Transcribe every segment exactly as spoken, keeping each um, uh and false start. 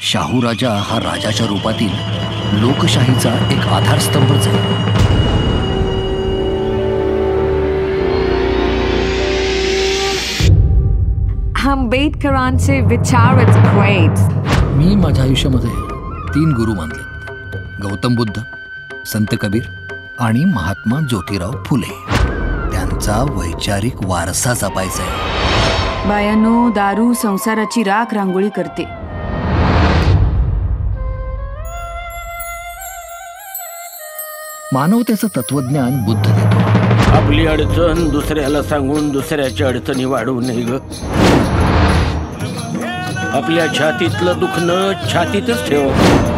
शाहू राजा हा राजाच्या रूपातील लोकशाहीचा एक आधारस्तंभच आहे. आंबेडकरांचे विचार इट्स ग्रेट. मी माझ्या आयुष्यामध्ये तीन गुरु मानले, गौतम बुद्ध, संत कबीर आणि महात्मा ज्योतिराव फुले. त्यांचा वैचारिक वारसा जपायचा आहे. बायानो, दारू संसाराची राख रांगोळी करते. मानवतेचं तत्वज्ञान बुद्ध देतो. आपली अडचण दुसऱ्याला सांगून दुसऱ्याच्या अडचणी वाढवू नये ग. आपल्या छातीतलं दुखणं छातीतच ठेव.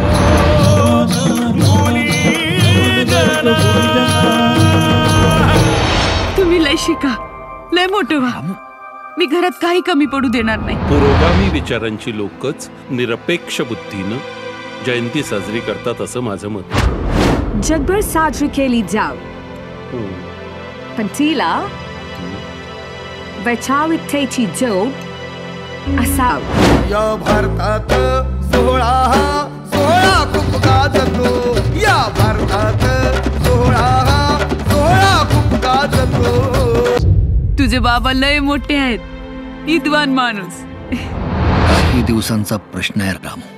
तुम्ही लय शिका, लय मोठं व्हा. मी घरात काही कमी पडू देणार नाही. पुरोगामी विचारांची लोकच निरपेक्ष बुद्धीनं जयंती साजरी करतात असं माझं मत. जगभर साजरी केली जाव, पण तिला वैचारिकतेची जोड असाव. या भारतात सोहळा हा सोहळा खूप गाजतो. या भारतात सोहळा हा सोहळा खूप गाजतो. तुझे बाबा लय मोठे आहेत, विद्वान माणूस. काही दिवसांचा प्रश्न आहे रामू.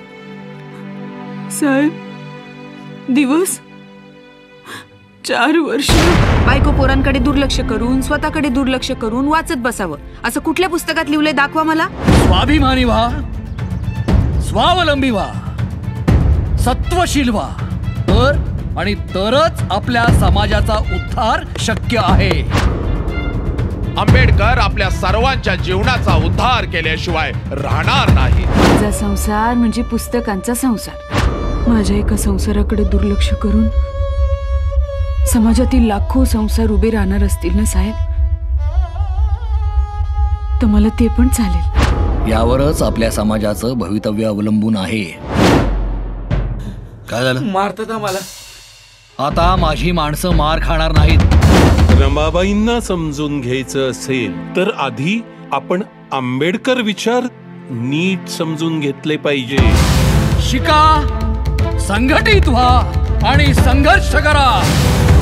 साहेब, दिवस चार वर्ष बायको पोरांकडे दुर्लक्ष करून स्वतःकडे दुर्लक्ष करून वाचत बसावं असं कुठल्या पुस्तकात लिहिलंय? दाखवा मला. स्वाभिमानी व्हा, स्वावलंबी व्हा, सत्वशील व्हा, तर आणि तरच आपल्या समाजाचा उद्धार शक्य आहे. आंबेडकर आपल्या सर्वांच्या जीवनाचा उद्धार केल्याशिवाय राहणार नाही. माझा संसार म्हणजे पुस्तकांचा संसार. माझ्या एका संसाराकडे दुर्लक्ष करून समाजातील लाखो संसार उभे राहणार असतील ना साहेब, तर मला ते पण चालेल. यावरच आपल्या समाजाचं भवितव्य अवलंबून आहे. काय झालं? मारतात आम्हाला. आता माझी माणसं मार खाणार नाहीत. रमाबाईंना समजून घ्यायचं असेल तर आधी आपण आंबेडकर विचार नीट समजून घेतले पाहिजे. शिका, संघटित व्हा आणि संघर्ष करा.